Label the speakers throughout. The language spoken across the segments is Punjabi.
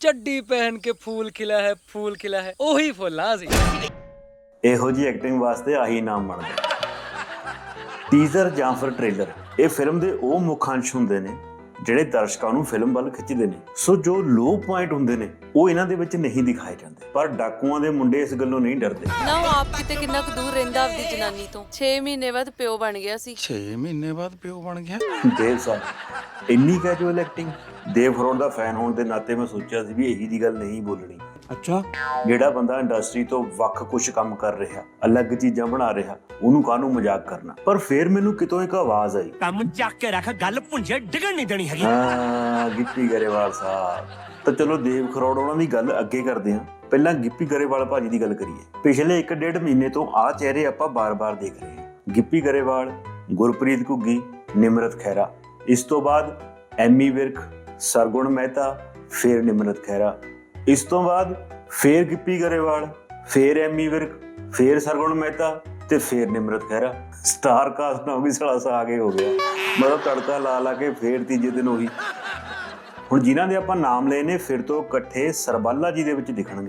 Speaker 1: चड्डी पहन के फूल खिला है ओही फुल्ला सी।
Speaker 2: ਇਹੋ ਜੀ ਐਕਟਿੰਗ ਵਾਸਤੇ ਆਹੀ ਨਾਮ ਬਣਦਾ। ਟੀਜ਼ਰ ਜਾਂ ਫਿਰ ਟ੍ਰੇਲਰ ਇਹ ਫਿਲਮ ਦੇ ਉਹ ਮੁੱਖ ਅੰਸ਼ ਹੁੰਦੇ ਨੇ ਜਿਹੜੇ ਦਰਸ਼ਕਾਂ ਨੂੰ ਫਿਲਮ ਵੱਲ ਖਿੱਚਦੇ ਨੇ। ਸੋ ਜੋ ਲੋ ਪੁਆਇੰਟ ਹੁੰਦੇ ਨੇ ਉਹ ਇਹਨਾਂ ਦੇ ਵਿੱਚ ਨਹੀਂ ਦਿਖਾਏ ਜਾਂਦੇ, ਪਰ ਡਾਕੂਆਂ ਦੇ ਮੁੰਡੇ ਇਸ ਗੱਲੋਂ ਨਹੀਂ ਡਰਦੇ।
Speaker 3: ਨਾ ਉਹ ਆਪ ਕਿਤੇ ਕਿੰਨਾ ਕੁ ਦੂਰ ਰਹਿੰਦਾ ਆਪਦੀ ਜਨਾਨੀ ਤੋਂ। 6 ਮਹੀਨੇ ਬਾਅਦ ਪਿਓ ਬਣ ਗਿਆ ਸੀ।
Speaker 4: 6 ਮਹੀਨੇ ਬਾਅਦ ਪਿਓ ਬਣ ਗਿਆ।
Speaker 2: ਦੇਵ ਸਾਹਿਬ ਇੰਨੀ ਕੈਜੂਅਲ ਐਕਟਿੰਗ। ਦੇਵ ਖਰੋੜ ਦਾ ਫੈਨ ਹੋਣ ਦੇ ਨਾਤੇ ਮੈਂ ਸੋਚਿਆ ਸੀ ਵੀ ਇਹੀ ਦੀ ਗੱਲ ਨਹੀਂ ਬੋਲਣੀ।
Speaker 4: ਅੱਛਾ,
Speaker 2: ਜਿਹੜਾ ਬੰਦਾ ਇੰਡਸਟਰੀ ਤੋਂ ਵੱਖ ਕੁਝ ਕੰਮ ਕਰ ਰਿਹਾ, ਅਲੱਗ ਚੀਜ਼ਾਂ ਬਣਾ ਰਿਹਾ, ਉਹਨੂੰ ਕਾਹਨੂੰ ਮਜ਼ਾਕ ਕਰਨਾ। ਪਰ ਫਿਰ ਮੈਨੂੰ ਕਿਤੋਂ ਇੱਕ ਆਵਾਜ਼ ਆਈ,
Speaker 5: ਕੰਮ ਚੱਕ ਕੇ ਰੱਖ, ਗੱਲ ਭੁੰਜੇ ਡਿੱਗਣ ਨਹੀਂ ਦੇਣੀ ਹੈਗੀ।
Speaker 2: ਹਾਂ, ਗਿੱਪੀ ਗਰੇਵਾਲ ਸਾਹਿਬ। ਤਾਂ ਚਲੋ ਦੇਵ ਖਰੋੜ ਉਹਨਾਂ ਦੀ ਗੱਲ ਅੱਗੇ ਕਰਦੇ ਹਾਂ, ਪਹਿਲਾਂ ਗਿੱਪੀ ਗਰੇਵਾਲ ਭਾਜੀ ਦੀ ਗੱਲ ਕਰੀਏ। ਪਿਛਲੇ 1.5 ਮਹੀਨੇ ਤੋਂ ਆਹ ਚਿਹਰੇ ਆਪਾਂ ਬਾਰ-ਬਾਰ ਦੇਖ ਰਹੇ ਹਾਂ। ਗਿੱਪੀ ਗਰੇਵਾਲ, ਗੁਰਪ੍ਰੀਤ ਘੁੱਗੀ, ਨਿਮਰਤ ਖਹਿਰਾ। ਇਸ ਤੋਂ ਬਾਅਦ ਐਮੀ ਵਿਰਕ, ਸਰਗੁਣ ਮਹਿਤਾ, ਫਿਰ ਨਿਮਰਤ ਖਹਿਰਾ। ਇਸ ਤੋਂ ਬਾਅਦ ਫੇਰ ਗਿੱਪੀ ਗਰੇਵਾਲ, ਫੇਰ ਐਮੀ ਵਿਰਕ, ਫੇਰ ਸਰਗੁਣ ਮਹਿਤਾ ਤੇ ਫੇਰ ਨਿਮਰਤ ਖਹਿਰਾ। ਸਟਾਰ ਕਾਸਟ ਨਾ ਵੀ ਸਲਾਸਾ ਆਗੇ ਹੋ ਗਿਆ। ਮਤਲਬ ਤੜਕਾ ਲਾ ਕੇ ਫੇਰ ਤੀਜੇ ਦਿਨ ਉਹੀ। ਹੁਣ ਜਿਨ੍ਹਾਂ ਦੇ ਆਪਾਂ ਨਾਮ ਲਏ ਨੇ ਫਿਰ ਤੋਂ ਇਕੱਠੇ ਸਰਬਾਲਾ ਜੀ ਦੇ ਵਿੱਚ ਦਿਖਣਗੇ।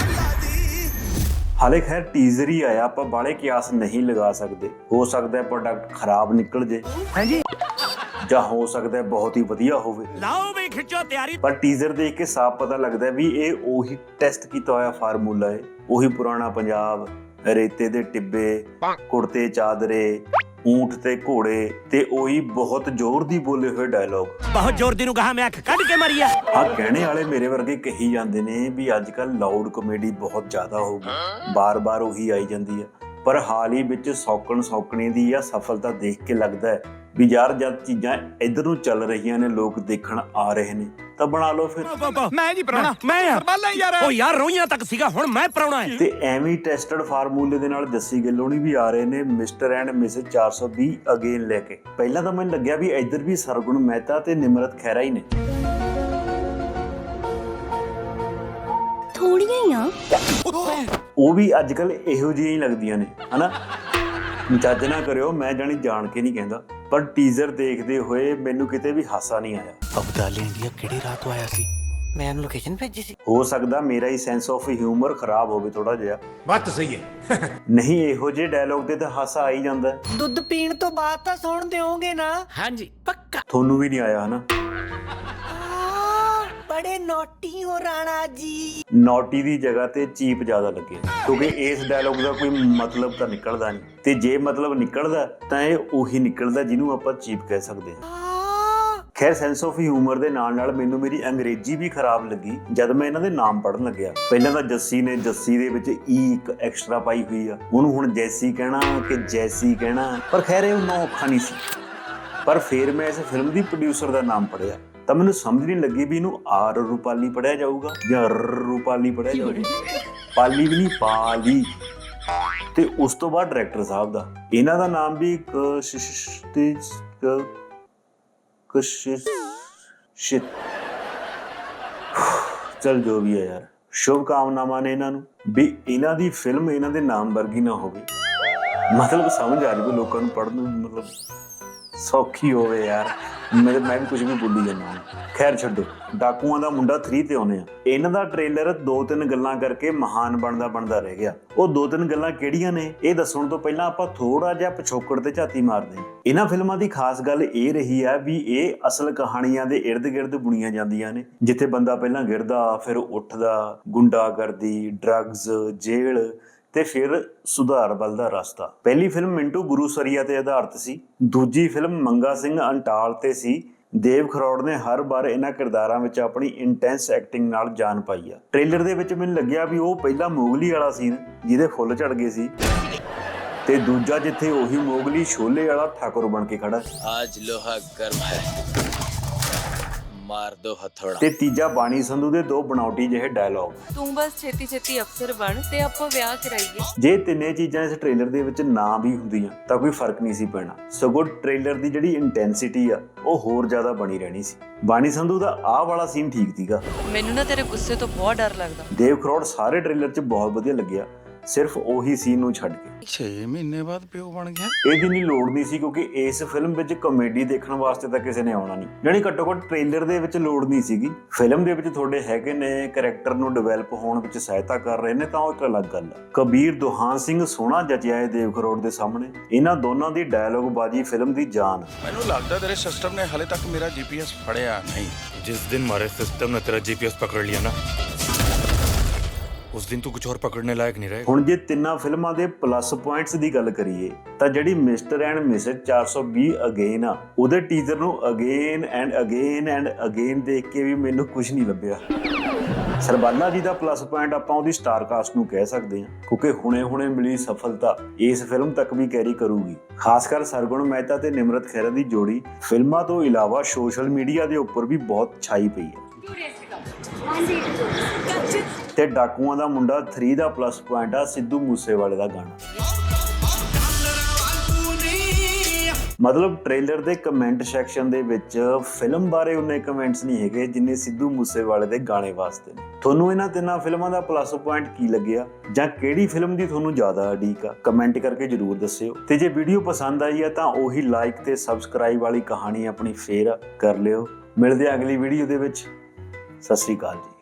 Speaker 2: ਹਾਲੇ ਖੈਰ ਟੀਜ਼ਰ ਹੀ ਆਇਆ, ਆਪਾਂ ਬਾਲੇ ਕਿਆਸ ਨਹੀਂ ਲਗਾ ਸਕਦੇ। ਹੋ ਸਕਦਾ ਹੈ ਪ੍ਰੋਡਕਟ ਖਰਾਬ ਨਿਕਲ ਜੇ, ਹਾਂਜੀ, ਜਾਂ ਹੋ ਸਕਦਾ ਹੈ ਬਹੁਤ ਹੀ ਵਧੀਆ ਹੋਵੇ।
Speaker 5: ਲਾਓ ਵੀ ਖਿੱਚੋ ਤਿਆਰੀ।
Speaker 2: ਪਰ ਟੀਜ਼ਰ ਦੇਖ ਕੇ ਸਾਫ਼ ਪਤਾ ਲੱਗਦਾ ਵੀ ਇਹ ਉਹੀ ਟੈਸਟ ਕੀਤਾ ਹੋਇਆ ਫਾਰਮੂਲਾ ਹੈ। ਉਹੀ ਪੁਰਾਣਾ ਪੰਜਾਬ, ਰੇਤੇ ਦੇ ਟਿੱਬੇ, ਕੁੜਤੇ ਚਾਦਰੇ, ਊਂਠ ਤੇ ਘੋੜੇ ਤੇ ਉਹੀ ਬਹੁਤ ਜ਼ੋਰ ਦੀ ਬੋਲੇ ਹੋਏ ਡਾਇਲੌਗ।
Speaker 5: ਬਹੁਤ ਜ਼ੋਰ ਦੀ ਨੂੰ ਕਹਾ ਮੈਂ ਅੱਖ ਕੱਢ ਕੇ ਮਰੀਆ।
Speaker 2: ਹਾਂ, ਕਹਿਣੇ ਵਾਲੇ ਮੇਰੇ ਵਰਗੇ ਕਹੀ ਜਾਂਦੇ ਨੇ ਵੀ ਅੱਜ ਕੱਲ ਲਾਊਡ ਕਾਮੇਡੀ ਬਹੁਤ ਜ਼ਿਆਦਾ ਹੋ ਗਈ, ਬਾਰ-ਬਾਰ ਉਹੀ ਆਈ ਜਾਂਦੀ ਹੈ। ਪਰ ਹਾਲ ਹੀ ਵਿੱਚ ਸੌਕਣੀ ਦੀ ਆ ਸਫਲਤਾ ਦੇਖ ਕੇ ਲੱਗਦਾ ਹੈ ਵੀ ਯਾਰ ਜਦ ਚੀਜ਼ਾਂ ਇੱਧਰ ਨੂੰ ਚੱਲ ਰਹੀਆਂ ਨੇ, ਲੋਕ ਦੇਖਣ ਆ ਰਹੇ ਨੇ, ਤਾਂ ਬਣਾ ਲਓ ਫਿਰ।
Speaker 4: ਮੈਂ ਜੀ ਪ੍ਰਾਹੁਣਾ,
Speaker 5: ਮੈਂ
Speaker 4: ਸਰਬਾਲਾ ਯਾਰ।
Speaker 5: ਓ ਯਾਰ ਰੋਈਆਂ ਤੱਕ ਸੀਗਾ, ਹੁਣ ਮੈਂ ਪ੍ਰਾਹੁਣਾ ਹੈ।
Speaker 2: ਤੇ ਐਵੇਂ ਟੈਸਟਡ ਫਾਰਮੂਲੇ ਦੇ ਨਾਲ ਜੱਸੀ ਗਿੱਲੋਂ ਵੀ ਆ ਰਹੇ ਨੇ ਮਿਸਟਰ ਐਂਡ ਮਿਸਿਸ 420 ਅਗੇਨ ਲੈ ਕੇ। ਪਹਿਲਾਂ ਤਾਂ ਮੈਨੂੰ ਲੱਗਿਆ ਵੀ ਇੱਧਰ ਵੀ ਸਰਗੁਣ ਮਹਿਤਾ ਤੇ ਨਿਮਰਤ ਖਹਿਰਾ ਹੀ ਨੇ।
Speaker 3: ਥੋੜੀਆਂ ਹੀ ਆ
Speaker 2: ਉਹ ਵੀ ਅੱਜ ਕੱਲ ਇਹੋ ਜਿਹੀਆਂ ਹੀ ਲੱਗਦੀਆਂ ਨੇ, ਹਨਾ। ਜੱਜ ਨਾ ਕਰਿਓ, ਮੈਂ ਜਾਣ ਕੇ ਨਹੀਂ ਕਹਿੰਦਾ, ਪਰ ਟੀਜ਼ਰ ਦੇਖਦੇ ਹੋਏ ਮੈਨੂੰ ਕਿਤੇ ਵੀ ਹਾਸਾ ਨਹੀਂ ਆਇਆ।
Speaker 5: ਅਬਦਾਲੀ ਇੰਡੀਆ ਕਿਹੜੀ ਰਾਤ ਤੋਂ ਆਇਆ ਸੀ? ਮੈਂ ਉਹਨੂੰ ਲੋਕੇਸ਼ਨ ਭੇਜੀ ਸੀ।
Speaker 2: ਹੋ ਸਕਦਾ ਮੇਰਾ ਹੀ ਸੈਂਸ ਆਫ ਹਿਊਮਰ ਖਰਾਬ ਹੋਵੇ ਥੋੜਾ ਜਿਹਾ।
Speaker 4: ਬਾਤ ਸਹੀ ਹੈ।
Speaker 2: ਨਹੀਂ, ਇਹੋ ਜਿਹੇ ਡਾਇਲੌਗ ਤੇ ਤਾਂ ਹਾਸਾ ਆ ਹੀ ਜਾਂਦਾ ਹੈ।
Speaker 6: ਦੁੱਧ ਪੀਣ ਤੋਂ ਬਾਅਦ ਤਾਂ ਸੁਣ ਦਿਓਗੇ ਨਾ?
Speaker 5: ਹਾਂਜੀ ਪੱਕਾ।
Speaker 2: ਤੁਹਾਨੂੰ ਵੀ ਨਹੀਂ ਆਇਆ, ਹਨਾ।
Speaker 6: ਬੜੇ ਨੋਟੀ ਹੋ ਰਾਣਾ ਜੀ।
Speaker 2: ਨੋਟੀ ਦੀ ਜਗ੍ਹਾ ਤੇ ਚੀਪ ਜ਼ਿਆਦਾ ਲੱਗੇ, ਕਿਉਂਕਿ ਇਸ ਡਾਇਲੌਗ ਦਾ ਕੋਈ ਮਤਲਬ ਤਾਂ ਨਿਕਲਦਾ ਨਹੀਂ, ਤੇ ਜੇ ਮਤਲਬ ਨਿਕਲਦਾ ਤਾਂ ਇਹ ਉਹੀ ਨਿਕਲਦਾ ਜਿਹਨੂੰ ਆਪਾਂ ਚੀਪ ਕਹਿ ਸਕਦੇ ਹਾਂ। ਖੈਰ, ਸੈਂਸ ਆਫ ਹਿਊਮਰ ਦੇ ਨਾਲ ਨਾਲ ਮੈਨੂੰ ਮੇਰੀ ਅੰਗਰੇਜ਼ੀ ਵੀ ਖਰਾਬ ਲੱਗੀ ਜਦ ਮੈਂ ਇਹਨਾਂ ਦੇ ਨਾਮ ਪੜ੍ਹਨ ਲੱਗਿਆ। ਪਹਿਲਾਂ ਤਾਂ ਜੱਸੀ ਨੇ ਜੱਸੀ ਦੇ ਵਿੱਚ ਈ ਇੱਕ ਐਕਸਟਰਾ ਪਾਈ ਹੋਈ ਆ, ਉਹਨੂੰ ਹੁਣ ਜੈਸੀ ਕਹਿਣਾ ਕਿ ਜੈਸੀ ਕਹਿਣਾ, ਪਰ ਖੈਰ ਇਹ ਉਹਨਾਂ ਔਖਾ ਨਹੀਂ ਸੀ। ਪਰ ਫਿਰ ਮੈਂ ਇਸ ਫਿਲਮ ਦੀ ਪ੍ਰੋਡਿਊਸਰ ਦਾ ਨਾਮ ਪੜ੍ਹਿਆ ਤਾਂ ਮੈਨੂੰ ਸਮਝ ਨਹੀਂ ਲੱਗੀ ਵੀ ਇਹਨੂੰ ਆਰ ਰੂਪਾਲੀ ਪੜ੍ਹਿਆ ਜਾਊਗਾ ਜਾਂ ਰੂਪਾਲੀ ਪੜ੍ਹਿਆ ਜਾਊਗਾ। ਪਾਲੀ ਵੀ ਨਹੀਂ, ਪਾਲੀ। ਤੇ ਉਸ ਤੋਂ ਬਾਅਦ ਡਾਇਰੈਕਟਰ ਸਾਹਿਬ ਦਾ, ਇਹਨਾਂ ਦਾ ਨਾਮ ਵੀ ਚਲ ਜੋ ਵੀ ਹੈ ਯਾਰ, ਸ਼ੁਭ ਕਾਮਨਾਵਾਂ ਨੇ ਇਹਨਾਂ ਨੂੰ ਵੀ ਇਹਨਾਂ ਦੀ ਫਿਲਮ ਇਹਨਾਂ ਦੇ ਨਾਮ ਵਰਗੀ ਨਾ ਹੋਵੇ। ਮਤਲਬ ਸਮਝ ਆ ਜਾਵੇ ਲੋਕਾਂ ਨੂੰ ਪੜ੍ਹਨ ਨੂੰ, ਮਤਲਬ ਸੌਖੀ ਹੋਵੇ ਯਾਰ। ਮੈਂ ਵੀ ਕੁਝ ਵੀ ਬੋਲੀ ਜਾਂਦਾ ਹਾਂ। ਖੈਰ ਛੱਡੋ, ਡਾਕੂਆਂ ਦਾ ਮੁੰਡਾ 3 ਤੇ ਆਉਨੇ ਆ। ਇਹਨਾਂ ਦਾ ਟ੍ਰੇਲਰ 2-3 ਗੱਲਾਂ ਕਰਕੇ ਮਹਾਨ ਬਣਦਾ ਰਹਿ ਗਿਆ। ਉਹ 2-3 ਗੱਲਾਂ ਕਿਹੜੀਆਂ ਨੇ ਇਹ ਦੱਸਣ ਤੋਂ ਪਹਿਲਾਂ ਆਪਾਂ ਥੋੜਾ ਜਿਹਾ ਪਿਛੋਕੜ ਤੇ ਝਾਤੀ ਮਾਰਦੇ ਹਾਂ। ਇਹਨਾਂ ਫਿਲਮਾਂ ਦੀ ਖਾਸ ਗੱਲ ਇਹ ਰਹੀ ਆ ਵੀ ਇਹ ਅਸਲ ਕਹਾਣੀਆਂ ਦੇ ਇਰਦ ਗਿਰਦ ਬੁਣੀਆਂ ਜਾਂਦੀਆਂ ਨੇ, ਜਿੱਥੇ ਬੰਦਾ ਪਹਿਲਾਂ ਗਿਰਦਾ, ਫਿਰ ਉੱਠਦਾ, ਗੁੰਡਾਗਰਦੀ, ਡਰੱਗਸ, ਜੇਲ੍ਹ ਤੇ ਫਿਰ ਸੁਧਾਰ ਵੱਲ ਦਾ ਰਸਤਾ। ਪਹਿਲੀ ਫਿਲਮ ਮਿੰਟੂ ਗੁਰੂਸਰੀਆ ਤੇ ਆਧਾਰਿਤ ਸੀ, ਦੂਜੀ ਫਿਲਮ ਮੰਗਾ ਸਿੰਘ ਅੰਟਾਲ ਤੇ ਸੀ। ਦੇਵ ਖਰੋੜ ਨੇ ਹਰ ਵਾਰ ਇਹਨਾਂ ਕਿਰਦਾਰਾਂ ਵਿੱਚ ਆਪਣੀ ਇੰਟੈਂਸ ਐਕਟਿੰਗ ਨਾਲ ਜਾਨ ਪਾਈ ਆ। ਟ੍ਰੇਲਰ ਦੇ ਵਿੱਚ ਮੈਨੂੰ ਲੱਗਿਆ ਵੀ ਉਹ ਪਹਿਲਾ ਮੋਗਲੀ ਵਾਲਾ ਸੀਨ ਜਿਹਦੇ ਫੁੱਲ ਝੜ ਗਏ ਸੀ, ਤੇ ਦੂਜਾ ਜਿੱਥੇ ਉਹੀ ਮੋਗਲੀ ਛੋਲੇ ਵਾਲਾ ਠਾਕੁਰ ਬਣ ਕੇ ਖੜਾ।
Speaker 1: आज लोहा गर्म है, मार दो हथौड़ा।
Speaker 2: ਤੇ ਤੀਜਾ ਬਾਣੀ ਸੰਧੂ ਦੇ 2 ਬਣਾਉਟੀ ਜਿਹੇ ਡਾਇਲੌਗ।
Speaker 3: ਤੂੰ ਬਸ ਛੇਤੀ ਛੇਤੀ ਅਫਸਰ ਬਣ ਤੇ ਆਪਾਂ ਵਿਆਹ ਕਰਾਈਏ।
Speaker 2: ਜੇ ਤਿੰਨੇ ਚੀਜ਼ਾਂ ਇਸ ਟ੍ਰੇਲਰ ਦੇ ਵਿੱਚ ਨਾ ਵੀ ਹੁੰਦੀਆਂ ਤਾਂ ਕੋਈ ਫਰਕ ਨਹੀਂ ਸੀ ਪੈਣਾ, ਸਗੋਂ ਟ੍ਰੇਲਰ ਦੀ ਜਿਹੜੀ ਇੰਟੈਂਸਿਟੀ ਆ ਉਹ ਹੋਰ ਜ਼ਿਆਦਾ ਬਣੀ ਰਹਿਣੀ ਸੀ। ਬਾਣੀ ਸੰਧੂ ਦਾ ਆਹ ਵਾਲਾ ਸੀਨ ਠੀਕ ਸੀਗਾ।
Speaker 3: ਮੈਨੂੰ ਨਾ ਤੇਰੇ ਗੁੱਸੇ ਤੋਂ ਬਹੁਤ ਡਰ ਲੱਗਦਾ।
Speaker 2: ਦੇਵ ਖਰੋੜ ਸਾਰੇ ਟ੍ਰੇਲਰ 'ਚ ਬਹੁਤ ਵਧੀਆ ਲੱਗਿਆ, ਸਿਰਫ ਉਹੀ ਸੀਨ ਨੂੰ ਛੱਡ ਕੇ।
Speaker 4: 6 ਮਹੀਨੇ ਬਾਅਦ ਪਿਓ ਬਣ ਗਿਆ।
Speaker 2: ਇਹਦੀ ਨਹੀਂ ਲੋੜ ਨਹੀਂ ਸੀ ਕਿਉਂਕਿ ਇਸ ਫਿਲਮ ਵਿੱਚ ਕਾਮੇਡੀ ਦੇਖਣ ਵਾਸਤੇ ਤਾਂ ਕਿਸੇ ਨੇ ਆਉਣਾ ਨਹੀਂ, ਯਾਨੀ ਘੱਟੋ ਘੱਟ ਟ੍ਰੇਲਰ ਦੇ ਵਿੱਚ ਲੋੜ ਨਹੀਂ ਸੀਗੀ। ਫਿਲਮ ਦੇ ਵਿੱਚ ਤੁਹਾਡੇ ਹੈਗੇ ਨੇ ਕਰੈਕਟਰ ਨੂੰ ਡਿਵੈਲਪ ਹੋਣ ਵਿੱਚ ਸਹਾਇਤਾ ਕਰ ਰਹੇ ਨੇ ਤਾਂ ਉਹ ਇੱਕ ਅਲੱਗ ਗੱਲ ਹੈ। ਕਬੀਰ ਦੁਹਾਨ ਸਿੰਘ ਸੋਹਣਾ ਜਚਿਆ ਹੈ ਦੇਵ ਕਰੋੜ ਦੇ ਸਾਹਮਣੇ। ਇਹਨਾਂ ਦੋਨਾਂ ਦੀ ਡਾਇਲੋਗ ਬਾਜੀ ਫਿਲਮ ਦੀ ਜਾਨ ਹੈ।
Speaker 4: ਮੈਨੂੰ ਲੱਗਦਾ ਤੇਰੇ ਸਿਸਟਮ ਨੇ ਹਲੇ ਤੱਕ ਮੇਰਾ GPS ਫੜਿਆ ਨਹੀਂ।
Speaker 7: जिस दिन हमारे सिस्टम ने तेरा जीपीएस पकड़ लिया ना, उस दिन तू कुछ और पकड़ने लायक नहीं रहेगा।
Speaker 2: ਹੁਣ ਜੇ ਤਿੰਨਾਂ ਫਿਲਮਾਂ ਦੇ ਪਲੱਸ ਪੁਆਇੰਟਸ ਦੀ ਗੱਲ ਕਰੀਏ ਤਾਂ ਜਿਹੜੀ ਮਿਸਟਰ ਐਂਡ ਮਿਸਿਸ 420 ਅਗੇਨ ਆ, ਉਹਦੇ ਟੀਜ਼ਰ ਨੂੰ ਅਗੇਨ ਐਂਡ ਅਗੇਨ ਦੇਖ ਕੇ ਵੀ ਮੈਨੂੰ ਕੁਝ ਨਹੀਂ ਲੱਭਿਆ। ਸਰਬਾਲਾ ਜੀ ਦਾ ਪਲੱਸ ਪੁਆਇੰਟ ਆਪਾਂ ਉਹਦੀ ਸਟਾਰ ਕਾਸਟ ਨੂੰ ਕਹਿ ਸਕਦੇ ਹਾਂ ਕਿਉਂਕਿ ਹੁਣੇ ਮਿਲੀ ਸਫਲਤਾ ਇਸ ਫਿਲਮ ਤੱਕ ਵੀ ਕੈਰੀ ਕਰੂਗੀ। ਖਾਸ ਕਰ ਸਰਗੁਣ ਮਹਿਤਾ ਤੇ ਨਿਮਰਤ ਖਹਿਰਾ ਦੀ ਜੋੜੀ ਫਿਲਮਾਂ ਤੋਂ ਇਲਾਵਾ ਸੋਸ਼ਲ ਮੀਡੀਆ ਦੇ ਉੱਪਰ ਵੀ ਬਹੁਤ ਛਾਈ ਪਈ ਹੈ। ਤੇ ਡਾਕੂਆਂ ਦਾ ਮੁੰਡਾ 3 ਦਾ ਪਲੱਸ ਪੁਆਇੰਟ ਆ ਸਿੱਧੂ ਮੂਸੇਵਾਲੇ ਦਾ ਗਾਣਾ। ਮਤਲਬ ਟ੍ਰੇਲਰ ਦੇ ਕਮੈਂਟ ਸੈਕਸ਼ਨ ਦੇ ਵਿੱਚ ਫਿਲਮ ਬਾਰੇ ਉਨੇ ਕਮੈਂਟਸ ਨਹੀਂ ਹੈਗੇ ਜਿੰਨੇ ਸਿੱਧੂ ਮੂਸੇਵਾਲੇ ਦੇ ਗਾਣੇ ਵਾਸਤੇ ਨੇ। ਤੁਹਾਨੂੰ ਇਹਨਾਂ ਤਿੰਨਾਂ ਫਿਲਮਾਂ ਦਾ ਪਲੱਸ ਪੁਆਇੰਟ ਕੀ ਲੱਗਿਆ ਜਾਂ ਕਿਹੜੀ ਫਿਲਮ ਦੀ ਤੁਹਾਨੂੰ ਜ਼ਿਆਦਾ ਉਡੀਕ ਆ, ਕਮੈਂਟ ਕਰਕੇ ਜਰੂਰ ਦੱਸਿਓ। ਤੇ ਜੇ ਵੀਡੀਓ ਪਸੰਦ ਆਈ ਹੈ ਤਾਂ ਉਹੀ ਲਾਈਕ ਤੇ ਸਬਸਕ੍ਰਾਈਬ ਵਾਲੀ ਕਹਾਣੀ ਆਪਣੀ ਫੇਰ ਕਰ ਲਿਓ। ਮਿਲਦੇ ਆ ਅਗਲੀ ਵੀਡੀਓ ਦੇ ਵਿੱਚ। ਸਤਿ ਸ਼੍ਰੀ ਅਕਾਲ ਜੀ।